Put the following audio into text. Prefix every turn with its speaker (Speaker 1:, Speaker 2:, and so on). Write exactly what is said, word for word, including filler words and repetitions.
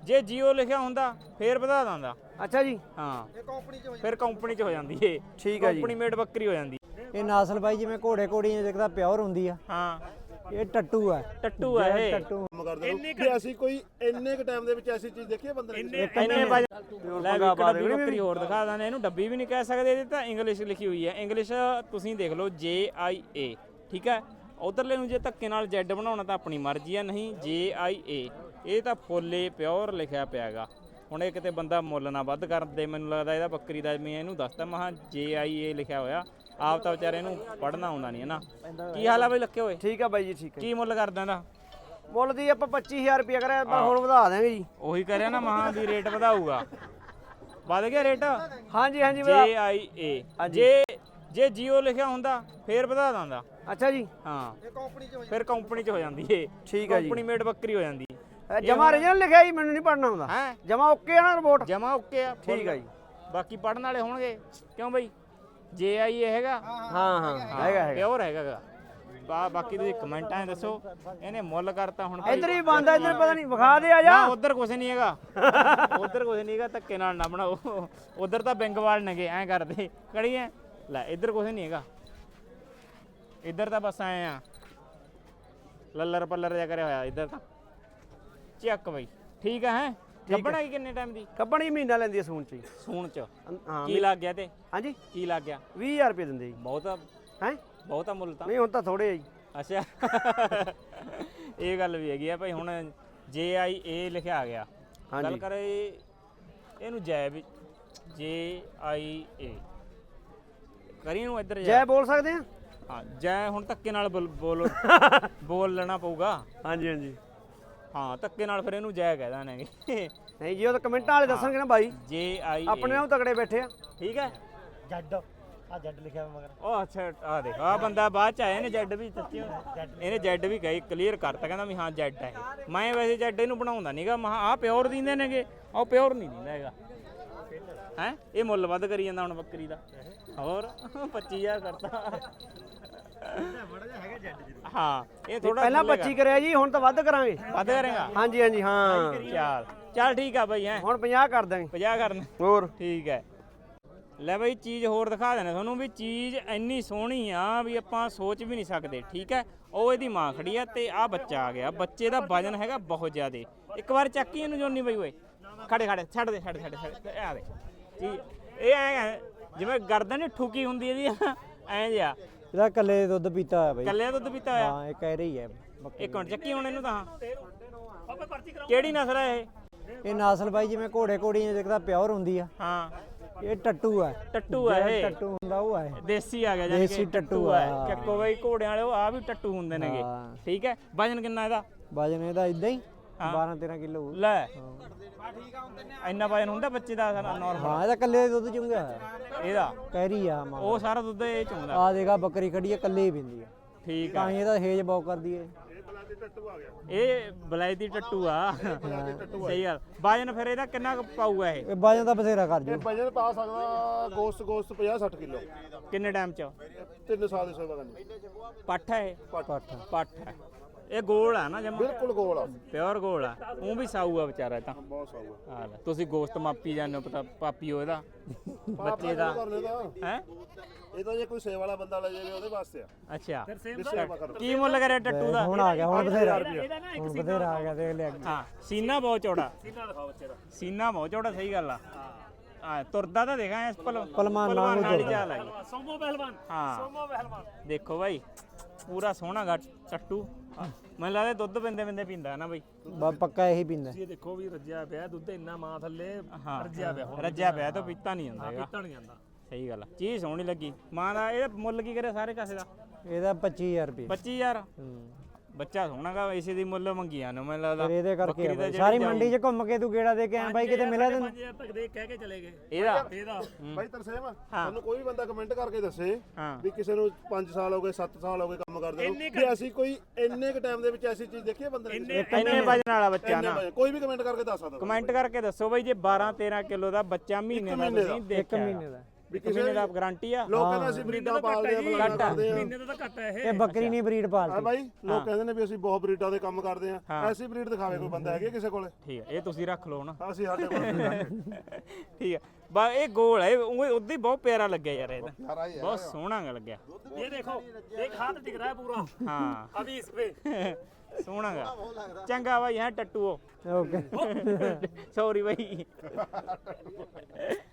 Speaker 1: ਜੇ ਜੀਓ ਲਿਖਿਆ ਹੁੰਦਾ ਫੇਰ ਵਧਾ ਦਿੰਦਾ।
Speaker 2: ਅੱਛਾ ਜੀ
Speaker 1: ਹਾਂ ਫਿਰ ਕੰਪਨੀ ਚ ਹੋ ਜਾਂਦੀ ਏ।
Speaker 2: ਠੀਕ ਹੈ ਜੀ।
Speaker 1: ਕੰਪਨੀ ਮੇਡ ਬੱਕਰੀ ਹੋ ਜਾਂਦੀ।
Speaker 3: ਇਹ ਨਸਲ ਬਾਈ ਜਿਵੇਂ ਘੋੜੇ ਘੋੜੀਆਂ ਜਿਕਦਾ ਪਿਓਰ ਹੁੰਦੀ ਆ।
Speaker 1: ਹਾਂ
Speaker 3: ਇਹ ਟੱਟੂ ਆ।
Speaker 1: ਟੱਟੂ ਆ ਇਹ।
Speaker 3: ਟੱਟੂ
Speaker 4: ਕਿ ਅਸੀਂ ਕੋਈ ਇੰਨੇ ਕ ਟਾਈਮ ਦੇ ਵਿੱਚ ਐਸੀ ਚੀਜ਼ ਦੇਖੀ ਹੈ ਬੰਦੇ ਨੇ?
Speaker 1: ਇੰਨੇ ਵਜਨ ਲੈ ਵੀ ਇੱਕ ਡੱਬੀ ਬੱਕਰੀ ਹੋਰ ਦਿਖਾ ਦਾਂ। ਇਹਨੂੰ ਡੱਬੀ ਵੀ ਨਹੀਂ ਕਹਿ ਸਕਦੇ, ਇਹਦੇ ਤਾਂ ਇੰਗਲਿਸ਼ ਲਿਖੀ ਹੋਈ ਹੈ। ਇੰਗਲਿਸ਼ ਤੁਸੀਂ ਦੇਖ ਲਓ ਜੇ ਆਈ ਏ, ਠੀਕ ਹੈ। ਉਧਰਲੇ ਨੂੰ ਜੇ ਧੱਕੇ ਨਾਲ ਜੈਡ ਬਣਾਉਣਾ ਤਾਂ ਆਪਣੀ ਮਰਜ਼ੀ ਆ, ਨਹੀਂ ਜੇ ਆਈ ਏ। ਇਹ ਤਾਂ ਫੁੱਲੇ ਪਿਓਰ ਲਿਖਿਆ ਪਿਆ ਹੈਗਾ। ਹੁਣ ਇਹ ਕਿਤੇ ਬੰਦਾ ਮੁੱਲ ਨਾ ਵੱਧ ਕਰਦੇ, ਮੈਨੂੰ ਲੱਗਦਾ ਇਹਦਾ ਬੱਕਰੀ ਦਾ। ਮੈਂ ਇਹਨੂੰ ਦੱਸਦਾ ਮਹਾ ਜੇ ਆਈ ਏ ਲਿਖਿਆ ਹੋਇਆ। ਆਪ ਤਾਂ ਵਿਚਾਰੇ ਨੂੰ ਪੜ੍ਹਨਾ ਆਉਂਦਾ ਨਹੀਂ ਹੈ ਨਾ। ਕੀ ਹਾਲ ਆ ਬਈ ਲੱਕੇ ਹੋਏ?
Speaker 2: ਠੀਕ ਆ ਬਾਈ ਜੀ ਠੀਕ ਹੈ।
Speaker 1: ਕੀ ਮੁੱਲ ਕਰਦਾ ਇਹਦਾ?
Speaker 2: ਮੁੱਲ ਦੀ ਆਪਾਂ ਪੱਚੀ ਹਜ਼ਾਰ ਰੁਪਇਆ ਕਰਿਆ, ਪਰ ਹੁਣ ਵਧਾ ਦਾਂਗੇ ਜੀ।
Speaker 1: ਉਹੀ ਕਰਿਆ ਨਾ ਮਹਾ ਵੀ ਰੇਟ ਵਧਾਊਗਾ। ਵੱਧ ਗਿਆ ਰੇਟ?
Speaker 2: ਹਾਂਜੀ ਹਾਂਜੀ
Speaker 1: ਜੇ ਆਈ ਏ। ਜੇ ਜੇ ਜੀਓ ਲਿਖਿਆ ਹੁੰਦਾ ਫੇਰ ਵਧਾ ਦਿੰਦਾ।
Speaker 2: ਅੱਛਾ ਜੀ
Speaker 1: ਹਾਂ ਫਿਰ ਕੰਪਨੀ ਚ ਹੋ ਜਾਂਦੀ ਏ।
Speaker 2: ਠੀਕ ਹੈ ਜੀ।
Speaker 1: ਕੰਪਨੀ ਮੇਡ ਬੱਕਰੀ ਹੋ ਜਾਂਦੀ।
Speaker 2: ਜਮਾ ਰੀਜਨਲ ਲਿਖਿਆ ਜੀ, ਮੈਨੂੰ ਨਹੀਂ ਪੜਨਾ ਆਉਂਦਾ।
Speaker 1: ਹੈ
Speaker 2: ਜਮਾ ਓਕੇ ਆ ਨਾ ਰਿਪੋਰਟ?
Speaker 1: ਜਮਾ ਓਕੇ ਆ।
Speaker 2: ਠੀਕ ਹੈ ਜੀ।
Speaker 1: ਬਾਕੀ ਪੜਨ ਵਾਲੇ ਹੋਣਗੇ ਕਿਉਂ ਬਈ? ਜੇ ਆਈ ਏ ਹੈਗਾ।
Speaker 2: ਹਾਂ ਹਾਂ ਹੈਗਾ ਹੈਗਾ
Speaker 1: ਪਿਓਰ ਹੈਗਾ। ਬਾ ਬਾਕੀ ਤੁਸੀਂ ਕਮੈਂਟਾਂ 'ਚ ਦੱਸੋ। ਇਹਨੇ ਮੁੱਲ ਕਰਤਾ ਹੁਣ।
Speaker 2: ਇੱਧਰ ਹੀ ਬੰਦਾ, ਇੱਧਰ ਪਤਾ ਨਹੀਂ ਵਿਖਾ ਦੇ ਆ ਜਾ।
Speaker 1: ਉਧਰ ਕੁਝ ਨਹੀਂ ਹੈਗਾ, ਉਧਰ ਕੁਝ ਨਹੀਂ ਹੈਗਾ। ਧੱਕੇ ਨਾਲ ਨਾ ਬਣਾਓ। ਉਧਰ ਤਾਂ ਬੈਂਗਵਾਲ ਨੇਗੇ ਐਂ ਕਰਦੇ ਕੜੀਆਂ। ਲੈ ਇੱਧਰ ਕੁਝ ਨਹੀਂ ਹੈਗਾ, ਇੱਧਰ ਤਾਂ ਬਸ ਆਏ ਆ ਲੱਲਰ ਪੱਲਰ ਜਿਹਾ ਕਰਿਆ ਹੋਇਆ। ਇੱਧਰ ਤਾਂ ਚੱਕ ਬਈ ਠੀਕ ਹੈ। ਹੈ ਕੱਢਣਾ ਕਿੰਨੇ ਟਾਈਮ ਦੀ?
Speaker 2: ਕੱਢਣੀ ਮਹੀਨਾ ਲੈਂਦੀ ਹੈ ਸੂਣ ਚ।
Speaker 1: ਸੂਣ ਚ
Speaker 2: ਹਾਂ
Speaker 1: ਕੀ ਲੱਗ ਗਿਆ ਤੇ?
Speaker 2: ਹਾਂਜੀ
Speaker 1: ਕੀ ਲੱਗ ਗਿਆ?
Speaker 2: ਵੀਹ ਹਜ਼ਾਰ ਰੁਪਏ ਦਿੰਦੇ ਜੀ।
Speaker 1: ਬਹੁਤ ਆ।
Speaker 2: ਹੈ
Speaker 1: ਬਹੁਤਾ ਮੁੱਲ ਤਾਂ
Speaker 2: ਨਹੀਂ, ਹੁਣ ਤਾਂ ਥੋੜੇ ਆ ਜੀ।
Speaker 1: ਅੱਛਾ ਇਹ ਗੱਲ ਵੀ ਹੈਗੀ ਆ ਭਾਈ। ਹੁਣ ਜੇ ਆਈ ਏ ਲਿਖਿਆ ਆ ਗਿਆ। ਗੱਲ ਕਰੇ ਇਹਨੂੰ ਜੈ ਵੀ ਜੇ ਆਈ ਏ ਕਰੀ ਨੂੰ ਇੱਧਰ
Speaker 2: ਜੈ ਬੋਲ ਸਕਦੇ ਆ?
Speaker 1: ਹਾਂ ਜੈ। ਹੁਣ ਧੱਕੇ ਨਾਲ ਬੋਲ ਬੋਲ ਬੋਲ ਲੈਣਾ ਪਊਗਾ।
Speaker 2: ਹਾਂਜੀ ਹਾਂਜੀ
Speaker 1: ਹਾਂ ਧੱਕੇ ਨਾਲ ਫਿਰ ਇਹਨੂੰ ਜੈ ਕਹਿ ਦਾਂਗੇ।
Speaker 2: ਨਹੀਂ ਜੀ, ਉਹ ਤਾਂ ਕਮੈਂਟਾਂ ਵਾਲੇ ਦੱਸਣਗੇ ਨਾ ਬਾਈ।
Speaker 1: ਜੇ ਆਈ
Speaker 2: ਆਪਣੇ ਨਾਲ ਤਗੜੇ ਬੈਠੇ ਆ।
Speaker 1: ਠੀਕ ਹੈ।
Speaker 3: ਜੱਡ ਆ ਜੱਡ ਲਿਖਿਆ ਮਗਰ।
Speaker 1: ਉਹ ਅੱਛਾ ਆ ਦੇਖ ਆ ਬੰਦਾ ਬਾਅਦ ਚ ਆਇਆ। ਇਹਨੇ ਜੈਡ ਵੀ ਸੱਚੀ ਇਹਨੇ ਜੈਡ ਵੀ ਕਹੀ ਕਲੀਅਰ ਕਰਤਾ। ਕਹਿੰਦਾ ਵੀ ਹਾਂ ਜੈਡ ਹੈ। ਮੈਂ ਵੈਸੇ ਜੈਡ ਇਹਨੂੰ ਬਣਾਉਂਦਾ ਨਹੀਂਗਾ। ਮੈਂ ਆਹ ਪਿਓਰ ਦਿੰਦੇ ਨੇਗੇ, ਉਹ ਪਿਓਰ ਨਹੀਂ ਦਿੰਦਾ ਹੈਗਾ। ਹੈ ਇਹ ਮੁੱਲ ਵੱਧ ਕਰੀ ਜਾਂਦਾ ਹੁਣ ਬੱਕਰੀ ਦਾ। ਹੋਰ ਪੱਚੀ ਹਜ਼ਾਰ ਕਰਤਾ। ਹਾਂ ਇਹ ਥੋੜਾ
Speaker 2: ਪਹਿਲਾਂ ਪੱਚੀ ਕਰਿਆ ਜੀ, ਹੁਣ ਤਾਂ ਵੱਧ ਕਰਾਂਗੇ।
Speaker 1: ਵੱਧ ਕਰੇਗਾ?
Speaker 2: ਹਾਂਜੀ ਹਾਂਜੀ ਹਾਂ।
Speaker 1: ਚੱਲ ਚੱਲ ਠੀਕ ਆ ਬਈ। ਹੈ
Speaker 2: ਹੁਣ ਪੰਜਾਹ ਕਰ ਦਾਂਗੇ।
Speaker 1: ਪੰਜਾਹ ਕਰਨ
Speaker 2: ਹੋਰ
Speaker 1: ਠੀਕ ਹੈ। ਲੈ ਬਈ ਚੀਜ਼ ਹੋਰ ਦਿਖਾ ਦੇਣਾ ਤੁਹਾਨੂੰ ਵੀ। ਚੀਜ਼ ਇੰਨੀ ਸੋਹਣੀ ਆ ਵੀ ਆਪਾਂ ਸੋਚ ਵੀ ਨਹੀਂ ਸਕਦੇ। ਠੀਕ ਹੈ। ਉਹ ਇਹਦੀ ਮਾਂ ਖੜੀ ਆ ਤੇ ਆ ਬੱਚਾ ਆ ਗਿਆ। ਬੱਚੇ ਦਾ ਵਜਨ ਹੈਗਾ ਬਹੁਤ ਜ਼ਿਆਦੇ। ਇੱਕ ਵਾਰ ਚੱਕੀ ਇਹਨੂੰ ਜੋਨੀ ਬਈ ਓਏ। ਖੜੇ ਖੜੇ ਛੱਡ ਦੇ ਛੱਡ ਛੱਡ ਛੱਡ ਆ ਦੇ ਚੀਜ਼। ਇਹ ਐ ਜਿਵੇਂ ਗਰਦਨ ਨੀ ਠੁਕੀ ਹੁੰਦੀ ਇਹਦੀ ਐਂ ਜਿਹਾ।
Speaker 3: ਇਹਦਾ ਕੱਲੇ ਦੇ ਦੁੱਧ ਪੀਤਾ ਹੋਇਆ ਬਾਈ।
Speaker 1: ਕੱਲੇ ਦੁੱਧ ਪੀਤਾ ਹੋਇਆ?
Speaker 3: ਹਾਂ ਇਹ ਕਹਿ ਰਹੀ ਹੈ।
Speaker 1: ਇੱਕ ਮਿੰਟ ਚੱਕੀ ਹੁਣ ਇਹਨੂੰ ਤਾਂ। ਕਿਹੜੀ ਨਸਲ ਹੈ ਇਹ?
Speaker 3: ਇਹ ਨਸਲ ਬਾਈ ਜਿਵੇਂ ਘੋੜੇ ਘੋੜੀਆਂ ਜਿਕਦਾ ਪਿਓਰ ਹੁੰਦੀ ਆ।
Speaker 1: ਹਾਂ
Speaker 3: ਇਹ ਟੱਟੂ ਆ।
Speaker 1: ਟੱਟੂ ਆ ਇਹ?
Speaker 3: ਟੱਟੂ ਹੁੰਦਾ ਉਹ ਆ।
Speaker 1: ਦੇਸੀ ਆ ਗਿਆ ਜਾਨੀ
Speaker 3: ਦੇਸੀ
Speaker 1: ਕਿ
Speaker 3: ਟੱਟੂ
Speaker 1: ਆ।
Speaker 3: ਆ।
Speaker 1: ਚੱਕੋ ਬਈ ਘੋੜਿਆਂ ਵਾਲੇ ਉਹ ਆ ਵੀ ਟੱਟੂ ਹੁੰਦੇ ਨੇਗੇ।
Speaker 3: ਹਾਂ।
Speaker 1: ਠੀਕ ਹੈ। ਵਜਨ ਕਿੰਨਾ ਇਹਦਾ?
Speaker 3: ਵਜਨ ਇਹਦਾ ਇਦਾਂ ਹੀ ਬਾਰਾਂ ਤੇਰਾਂ ਕਿਲੋ।
Speaker 1: ਲੈ ਇੰਨਾ ਵਜਨ ਹੁੰਦਾ ਬੱਚੇ ਦਾ ਨਾਰਮਲ?
Speaker 3: ਹਾਂ ਇਹਦਾ ਕੱਲੇ ਦੇ ਦੁੱਧ ਚੁੰਗਿਆ
Speaker 1: ਇਹਦਾ
Speaker 3: ਕਹਿ ਰਹੀ ਆ ਮਾਂ।
Speaker 1: ਉਹ ਸਾਰਾ ਦੁੱਧ ਇਹ ਚੋਂਦਾ।
Speaker 3: ਆ ਦੇਖਾ ਬੱਕਰੀ ਖੜੀ ਆ ਕੱਲੇ ਹੀ ਪੀਂਦੀ ਆ।
Speaker 1: ਠੀਕ
Speaker 3: ਤਾਂ
Speaker 1: ਆ।
Speaker 3: ਹੀ ਇਹਦਾ ਹੇਜ ਬਹੁਤ ਕਰਦੀ ਏ।
Speaker 1: ਇਹ ਬਲਾਇਤੀ ਟੱਟੂ ਆ। ਸਹੀ ਗੱਲ। ਵਜਨ ਫਿਰ ਇਹਦਾ ਕਿੰਨਾ ਕੁ ਪਾਊਗਾ ਇਹ?
Speaker 3: ਇਹ ਵਜਨ ਤਾਂ ਬਥੇਰਾ ਕਰ ਜੂ।
Speaker 4: ਵਜਨ ਪਾ ਸਕਦਾ ਗੋਸਤ ਗੋਸਤ ਪੰਜਾਹ ਸੱਠ ਕਿਲੋ।
Speaker 1: ਕਿੰਨੇ ਟਾਈਮ ਚ?
Speaker 4: ਤਿੰਨ ਸਾਲ ਦੀ ਸੇਵਾ ਕਰਨੀ।
Speaker 1: ਪੱਠ ਹੈ ਇਹ?
Speaker 3: ਪੱਠ
Speaker 1: ਪੱਠ ਹੈ। ਇਹ ਗੋਲ ਆ ਨਾ ਜਮਾ?
Speaker 4: ਬਿਲਕੁਲ ਗੋਲ ਆ।
Speaker 1: ਪਿਓਰ ਗੋਲ ਆ। ਉਹ ਵੀ ਸਾਊ ਆ ਵਿਚਾਰਾ ਇਹ ਤਾਂ।
Speaker 4: ਬਹੁਤ ਸਾਊ
Speaker 1: ਆ ਲੈ ਤੁਸੀਂ ਗੋਸ਼ਤ ਮਾਪੀ ਜਾਂਦੇ ਹੋ। ਪਤਾ ਪਾਪੀਓ ਇਹਦਾ ਬੱਚੇ ਦਾ ਹੈ।
Speaker 4: ਇਹ ਤਾਂ ਜੇ ਕੋਈ ਸੇਵਾ ਵਾਲਾ ਬੰਦਾ ਲੈ ਜਾਵੇ ਉਹਦੇ ਵਾਸਤੇ ਆ।
Speaker 1: ਅੱਛਾ ਕੀ ਮੁੱਲ ਕਰਿਆ ਟੱਟੂ ਦਾ?
Speaker 3: ਹੁਣ ਆ ਗਿਆ ਹੁਣ ਬਥੇਰਾ ਹੁਣ ਬਥੇਰਾ ਆ ਗਿਆ ਦੇਖ ਲਿਆ।
Speaker 1: ਹਾਂ ਸੀਨਾ ਬਹੁਤ ਚੌੜਾ। ਸੀਨਾ ਦਿਖਾਓ ਬੱਚੇ ਦਾ। ਸੀਨਾ ਬਹੁਤ ਚੌੜਾ। ਸਹੀ ਗੱਲ ਆ। ਹਾਂ ਤੁਰਦਾ ਤਾਂ ਦੇਖਾਂ ਇਸ ਪਲ
Speaker 3: ਪਹਿਲਵਾਨ
Speaker 1: ਵਾਲੀ ਚਾਲ ਆਈ। ਸੋਮੋ ਪਹਿਲਵਾਨ। ਹਾਂ ਸੋਮੋ ਪਹਿਲਵਾਨ ਦੇਖੋ ਬਾਈ ਪੂਰਾ ਸੋਹਣਾ ਗਾ ਟੱਟੂ। ਮੈਨੂੰ ਲੱਗਦਾ ਦੁੱਧ ਪਿੰਦੇ ਪਿੰਦੇ ਪੀਂਦਾ ਨਾ ਬਈ।
Speaker 3: ਬਸ ਪੱਕਾ ਇਹੀ ਪੀਂਦਾ।
Speaker 5: ਇਹ ਦੇਖੋ ਵੀ ਰੱਜਿਆ ਪਿਆ ਦੁੱਧ ਇੰਨਾ ਮਾਂ ਥੱਲੇ।
Speaker 1: ਹਾਂ
Speaker 5: ਰੱਜਿਆ ਪਿਆ ਹੁਣ।
Speaker 1: ਰੱਜਿਆ ਪਿਆ ਤਾਂ ਪੀਤਾ ਨਹੀਂ ਜਾਂਦਾ ਹੈਗਾ।
Speaker 5: ਪੀਤਾ ਨਹੀਂ ਜਾਂਦਾ।
Speaker 1: ਸਹੀ ਗੱਲ ਆ। ਚੀਜ਼ ਸੋਹਣੀ ਲੱਗੀ। ਮਾਂ ਦਾ ਇਹ ਮੁੱਲ ਕੀ ਕਰਿਆ ਸਾਰੇ ਕਾਸੇ ਦਾ?
Speaker 3: ਇਹਦਾ ਪੱਚੀ ਹਜ਼ਾਰ ਰੁਪਏ।
Speaker 1: ਪੱਚੀ ਹਜ਼ਾਰ।
Speaker 3: ਹੂੰ
Speaker 1: ਬੱਚਾ ਸੋਹਣਾ ਗਾ। ਇਸੇ ਦੀ ਮੁੱਲ ਮੰਗੀਆਂ ਨੇ ਮੈਨੂੰ ਲੱਗਦਾ।
Speaker 3: ਫਿਰ ਇਹਦੇ ਕਰਕੇ ਆ ਬਾਈ। ਸਾਰੀ ਮੰਡੀ 'ਚ ਘੁੰਮ ਕੇ ਤੂੰ ਗੇੜਾ ਦੇ ਕੇ ਆਇਆ ਬਾਈ, ਕਿਤੇ ਮਿਲਿਆ ਤੈਨੂੰ?
Speaker 5: ਪੰਜ ਹਜ਼ਾਰ ਤੱਕ ਦੇ ਕਹਿ ਕੇ ਚਲੇ ਗਏ
Speaker 1: ਇਹਦਾ
Speaker 5: ਇਹਦਾ।
Speaker 4: ਬਾਈ ਤਰਸੇਮ ਤੁਹਾਨੂੰ ਕੋਈ ਵੀ ਬੰਦਾ ਕਮੈਂਟ ਕਰਕੇ ਦੱਸੇ
Speaker 1: ਹਾਂ
Speaker 4: ਵੀ ਕਿਸੇ ਨੂੰ ਪੰਜ ਸਾਲ ਹੋ ਗਏ ਸੱਤ ਸਾਲ ਹੋ ਗਏ ਕੰਮ ਕਰਦੇ ਨੂੰ, ਕਿ ਅਸੀਂ ਕੋਈ ਇੰਨੇ ਕ ਟਾਈਮ ਦੇ ਵਿੱਚ ਐਸੀ ਚੀਜ਼ ਦੇਖੀ ਹੈ ਬੰਦੇ ਨੇ?
Speaker 1: ਇੰਨੇ ਵਜਨ ਵਾਲਾ ਬੱਚਾ ਨਾ
Speaker 4: ਕੋਈ ਵੀ ਕਮੈਂਟ ਕਰਕੇ ਦੱਸ ਸਕਦਾ।
Speaker 1: ਕਮੈਂਟ ਕਰਕੇ ਦੱਸੋ ਬਈ ਜੇ ਬਾਰਾਂ ਤੇਰਾਂ ਕਿਲੋ ਦਾ ਬੱਚਾ ਮਹੀਨੇ ਦਾ ਤੁਸੀਂ
Speaker 3: ਇੱਕ
Speaker 1: ਦੇਖਿਆ
Speaker 3: ਮਹੀਨੇ ਦਾ
Speaker 4: ਵੀ
Speaker 1: ਇੱਕ ਮਹੀਨੇ ਦਾ ਗਾਰੰਟੀ ਆ
Speaker 4: ਲੋਕ ਕਹਿੰਦੇ ਅਸੀਂ ਬਰੀਡਾਂ ਪਾਲਦੇ ਆ ਫਲਾਣਾ ਕਰਦੇ ਆ
Speaker 5: ਮਹੀਨੇ ਦਾ ਤਾਂ ਘੱਟ ਹੈ ਇਹ
Speaker 3: ਇਹ ਬੱਕਰੀ ਨਹੀਂ ਬਰੀਡ
Speaker 4: ਹਾਂ
Speaker 3: ਪਾਲਦੀ
Speaker 4: ਬਾਈ ਲੋਕ ਕਹਿੰਦੇ ਨੇ ਵੀ ਅਸੀਂ ਬਹੁਤ ਬਰੀਡਾਂ ਦੇ ਕੰਮ ਕਰਦੇ ਆ ਐਸੀ ਬਰੀਡ ਦਿਖਾਵੇ ਕੋਈ ਬੰਦਾ ਹੈਗੇ ਕਿਸੇ ਕੋਲੇ
Speaker 1: ਠੀਕ ਹੈ ਇਹ ਤੁਸੀਂ ਰੱਖ ਲਓ ਨਾ
Speaker 4: ਅਸੀਂ ਸਾਡੇ ਕੋਲ
Speaker 1: ਠੀਕ ਹੈ ਬਾ ਇਹ ਗੋਲ ਹੈ ਉਹ ਉਦੋਂ ਹੀ ਬਹੁਤ ਪਿਆਰਾ ਲੱਗਿਆ ਯਾਰ ਇਹਦਾ ਬਹੁਤ ਸੋਹਣਾ ਲੱਗਿਆ
Speaker 5: ये देखो एक हाथ दिख रहा है पूरा
Speaker 1: ਹਾਂ
Speaker 5: अभी इस पे
Speaker 1: ਸੋਹਣਾ ਗਾ ਚੰਗਾ ਬਾਈ ਹੈ ਟੱਟੂ
Speaker 3: ਓਕੇ
Speaker 1: ਸੌਰੀ ਬਾਈ